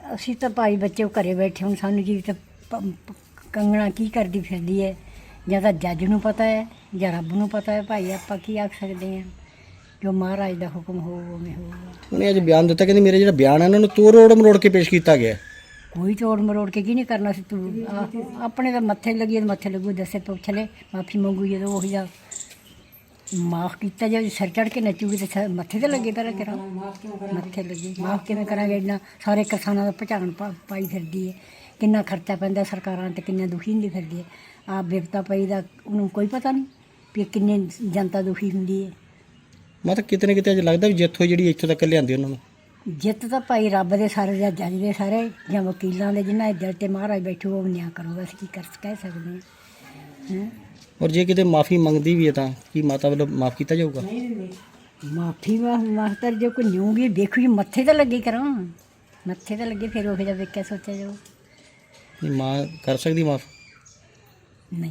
ਅਸੀਂ ਤਾਂ ਭਾਈ ਬੱਚੇ ਘਰੇ ਬੈਠੇ ਹੁਣ ਸਾਨੂੰ ਜੀ ਤਾਂ ਕੰਗਣਾ ਕੀ ਕਰਦੀ ਫਿਰਦੀ ਹੈ, ਜਾਂ ਤਾਂ ਜੱਜ ਨੂੰ ਪਤਾ ਹੈ ਜਾਂ ਰੱਬ ਨੂੰ ਪਤਾ ਹੈ। ਭਾਈ ਆਪਾਂ ਕੀ ਆਖ ਸਕਦੇ ਹਾਂ, ਜੋ ਮਹਾਰਾਜ ਦਾ ਹੁਕਮ ਹੋਊ ਉਵੇਂ ਹੋਊਗਾ। ਉਹਨੇ ਅੱਜ ਬਿਆਨ ਦਿੱਤਾ, ਕਹਿੰਦੀ ਮੇਰੇ ਜਿਹੜਾ ਬਿਆਨ ਹੈ ਇਹਨਾਂ ਨੂੰ ਤੋੜ ਮਰੋੜ ਕੇ ਪੇਸ਼ ਕੀਤਾ ਗਿਆ। ਕੋਈ ਤੋੜ ਮਰੋੜ ਕੇ ਕੀ ਨਹੀਂ ਕਰਨਾ ਸੀ ਤੂੰ ਆਪਣੇ ਤਾਂ ਮੱਥੇ ਲੱਗੀ ਮੱਥੇ ਲੱਗੂ, ਦੱਸੇ ਪੁੱਛ ਲੈ ਮਾਫੀ ਮੰਗੂ ਜਦੋਂ ਉਹੀ ਜਾ ਮਾਫ ਕੀਤਾ ਜੇ ਸਿਰ ਚੜ੍ਹ ਕੇ ਨੱਚੂਗੀ ਤੇ ਮੱਥੇ ਤੇ ਲੱਗੇ ਪਹਿਲਾਂ ਤੇਰਾ ਮੱਥੇ ਲੱਗੇ। ਮਾਫ ਕਿਵੇਂ ਕਰਾਂਗੇ, ਇੰਨਾ ਸਾਰੇ ਕਿਸਾਨਾਂ ਦਾ ਭਚਾਣ ਪਾਈ ਫਿਰਦੀ ਹੈ, ਕਿੰਨਾ ਖਰਚਾ ਪੈਂਦਾ ਸਰਕਾਰਾਂ ਤੇ ਕਿੰਨਾ ਦੁਖੀ ਹੁੰਦੀ ਫਿਰਦੀ ਹੈ। ਆਪ ਬਿਪਤਾ ਪਈ ਦਾ ਉਹਨੂੰ ਕੋਈ ਪਤਾ ਨਹੀਂ ਵੀ ਕਿੰਨੇ ਜਨਤਾ ਦੁਖੀ ਹੁੰਦੀ ਹੈ। ਮੈਂ ਤਾਂ ਕਿਤੇ ਨਾ ਕਿਤੇ ਅੱਜ ਲੱਗਦਾ ਵੀ ਜਿੱਥੋਂ ਜਿਹੜੀ ਇੱਥੋਂ ਤੱਕ ਲਿਆਂਦੀ ਉਹਨਾਂ ਨੂੰ ਜਿੱਤ ਤਾਂ ਭਾਈ ਰੱਬ ਦੇ ਸਾਰੇ ਜਾਂ ਜੱਜ ਦੇ ਸਾਰੇ ਜਾਂ ਵਕੀਲਾਂ ਦੇ, ਜਿਨ੍ਹਾਂ ਦੇ ਦਿਲ 'ਤੇ ਮਹਾਰਾਜ ਬੈਠੂ ਉਹ ਨਿਆਂ ਕਰੂਗਾ। ਅਸੀਂ ਕੀ ਕਹਿ ਸਕਦੇ ਹਾਂ। ਔਰ ਜੇ ਕਿਤੇ ਮਾਫੀ ਮੰਗਦੀ ਵੀ ਹੈ ਤਾਂ ਕੀ ਮਾਤਾ ਵੱਲੋਂ ਮਾਫ ਕੀਤਾ ਜਾਊਗਾ? ਮਾਫੀ ਮਾਸਟਰ ਜੇ ਕੋਈ ਨਿਊਗੀ ਦੇਖੂ ਜੀ ਮੱਥੇ ਤੇ ਲੱਗੇ ਕਰਾਂ, ਮੱਥੇ ਤੇ ਲੱਗੇ ਫਿਰ ਉਹ ਜਿਹਾ ਵੇਖਿਆ ਸੋਚਿਆ ਜਾਊ। ਨਹੀਂ ਮਾਂ ਕਰ ਸਕਦੀ ਮਾਫ? ਨਹੀਂ,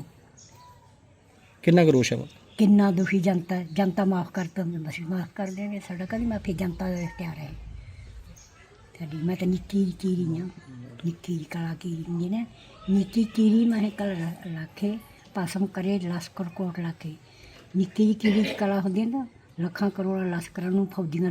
ਕਿੰਨਾ ਕੁ ਰੋਸ਼ ਹੈ? ਕਿੰਨਾ ਦੁਖੀ ਜਨਤਾ, ਜਨਤਾ ਮਾਫ ਕਰਤਾ ਅਸੀਂ ਮਾਫ ਕਰ ਦੇਵਾਂਗੇ। ਸਾਡਾ ਕਦੀ ਮਾਫੀ ਜਨਤਾ ਦਾ ਇਖਤਿਆਰ ਹੈ ਸਾਡੀ। ਮੈਂ ਤਾਂ ਨਿੱਕੀ ਚੀਰੀ ਹਾਂ, ਨਿੱਕੀ ਕਲਾ ਕੀਰੀ ਹੁੰਦੀ ਨੇ, ਨਿੱਕੀ ਕੀਰੀ ਮੈਂ ਕਲ ਰੱਖੇ ਪਾਸਮ ਕਰੇ ਲਸ਼ਕਰ ਕੋਟ ਲਾ ਕੇ। ਨਿੱਕੀ ਜਿਹੀ ਕੀੜੀ ਕਲਾ ਹੁੰਦੀ ਹੈ ਨਾ, ਲੱਖਾਂ ਕਰੋੜਾਂ ਲਸ਼ਕਰਾਂ ਨੂੰ ਫੌਜਾਂ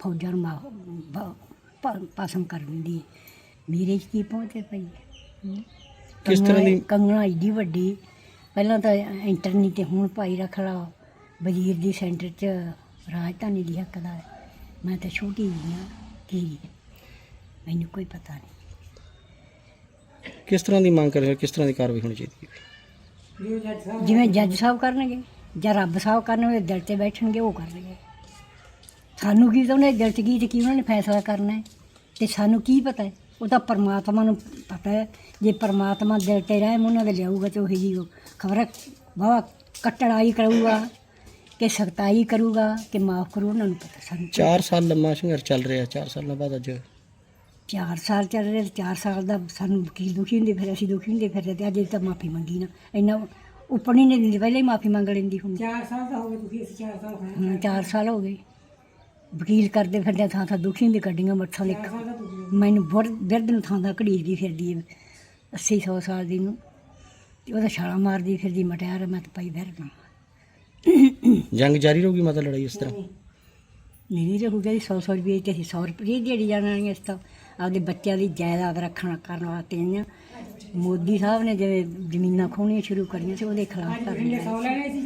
ਨੂੰ ਪਾਸਮ ਕਰ ਦਿੰਦੀ ਹੈ। ਮੇਰੇ 'ਚ ਕੀ ਪਹੁੰਚੇ ਪਈ ਕਿਸ ਤਰ੍ਹਾਂ ਦੀ ਕੰਗਣਾ ਏਡੀ ਵੱਡੀ, ਪਹਿਲਾਂ ਤਾਂ ਇੰਟਰਨੀ ਤੇ ਹੁਣ ਭਾਈ ਰੱਖ ਲਾ ਵਜ਼ੀਰ ਦੀ ਸੈਂਟਰ 'ਚ ਰਾਜਧਾਨੀ ਦੀ ਹੱਕਦਾਰ। ਮੈਂ ਤਾਂ ਛੋਟੀ ਜਿਹੀ ਹਾਂ ਕੀੜੀ, ਮੈਨੂੰ ਕੋਈ ਪਤਾ ਨਹੀਂ। ਕਿਸ ਤਰ੍ਹਾਂ ਦੀ ਮੰਗ ਕਰ ਰਹੇ ਹੋ, ਕਿਸ ਤਰ੍ਹਾਂ ਦੀ ਕਾਰਵਾਈ ਹੋਣੀ ਚਾਹੀਦੀ ਹੈ? ਜਿਵੇਂ ਜੱਜ ਸਾਹਿਬ ਕਰਨਗੇ ਜਾਂ ਰੱਬ ਸਾਹਿਬ ਕਰਨਗੇ, ਦਿਲ 'ਤੇ ਬੈਠਣਗੇ ਉਹ ਕਰਨਗੇ। ਸਾਨੂੰ ਕੀ ਤਾਂ ਉਹਨੇ ਦਿਲ 'ਚ ਕੀ ਤੇ ਕੀ ਉਹਨਾਂ ਨੇ ਫੈਸਲਾ ਕਰਨਾ ਹੈ, ਅਤੇ ਸਾਨੂੰ ਕੀ ਪਤਾ ਹੈ? ਉਹ ਤਾਂ ਪਰਮਾਤਮਾ ਨੂੰ ਪਤਾ ਹੈ। ਜੇ ਪਰਮਾਤਮਾ ਦਿਲ 'ਤੇ ਰਹਿਮ ਉਹਨਾਂ ਦੇ ਲਿਆਊਗਾ ਤਾਂ ਉਹੀ ਜੀ ਖਬਰ ਵਾਹਵਾ ਕਟੜਾਈ ਕਰੂਗਾ ਕਿ ਸਖਤਾਈ ਕਰੂਗਾ ਕਿ ਮਾਫ ਕਰੂ, ਉਹਨਾਂ ਨੂੰ ਪਤਾ। ਸਾਨੂੰ 4 ਸਾਲ ਲੰਮਾ ਸੰਘਰਸ਼ ਚੱਲ ਰਿਹਾ, 4 ਸਾਲਾਂ ਬਾਅਦ ਅੱਜ 4 ਸਾਲ ਚੱਲ ਰਹੇ, 4 ਸਾਲ ਦਾ ਸਾਨੂੰ ਵਕੀਲ ਦੁਖੀ ਹੁੰਦੇ ਫਿਰ ਅਸੀਂ ਦੁਖੀ ਹੁੰਦੇ ਫਿਰ, ਅਤੇ ਅੱਜ ਤਾਂ ਮਾਫੀ ਮੰਗੀ ਨਾ ਇੰਨਾ ਉੱਪਰ ਨਹੀਂ ਦਿੰਦੀ, ਪਹਿਲਾਂ ਹੀ ਮਾਫੀ ਮੰਗ ਲੈਂਦੀ ਹੁਣ। 4 ਸਾਲ ਤਾਂ ਹੋ ਗਏ ਦੁਖੀ, ਅਸੀਂ 4 ਸਾਲ 4 ਸਾਲ ਹੋ ਗਏ ਵਕੀਲ ਕਰਦੇ ਫਿਰਦੇ, ਥਾਂ ਥਾਂ ਦੁਖੀ ਹੁੰਦੀ ਕੱਢੀਆਂ ਮੱਠਾਂ ਲਿਖ ਮੈਨੂੰ ਬਿਰਧ ਨੂੰ ਥਾਂ ਥਾਂ ਘੜੀਸਦੀ ਫਿਰਦੀ ਹੈ 80-100 ਸਾਲ ਦੀ ਨੂੰ, ਅਤੇ ਉਹਦਾ ਛਾਲਾਂ ਮਾਰਦੀ ਫਿਰਦੀ ਮਟਿਆਰ। ਮੈਂ ਤਾਂ ਪਾਈ ਫਿਰਦਾ ਜੰਗ ਜਾਰੀ ਰਹੂਗੀ ਮਾਤਾ, ਲੜਾਈ ਇਸ ਤਰ੍ਹਾਂ ਨਹੀਂ ਰਹੂਗਾ ਜੀ। 100 ਰੁਪਏ ਤੇ ਅਸੀਂ 100 ਰੁਪਏ ਦਿਹਾੜੀ ਜਾਣ ਵਾਲੀਆਂ। ਇਸ ਤਾਂ ਆਪਦੇ ਬੱਚਿਆਂ ਦੀ ਜਾਇਦਾਦ ਕਰਨ ਵਾਸਤੇ ਆਈਆਂ। ਮੋਦੀ ਸਾਹਿਬ ਨੇ ਜਿਵੇਂ ਜ਼ਮੀਨਾਂ ਖੋਹਣੀਆਂ ਸ਼ੁਰੂ ਕਰੀਆਂ ਸੀ, ਉਹਦੇ ਖਿਲਾਫ ਕਰਨੀਆਂ।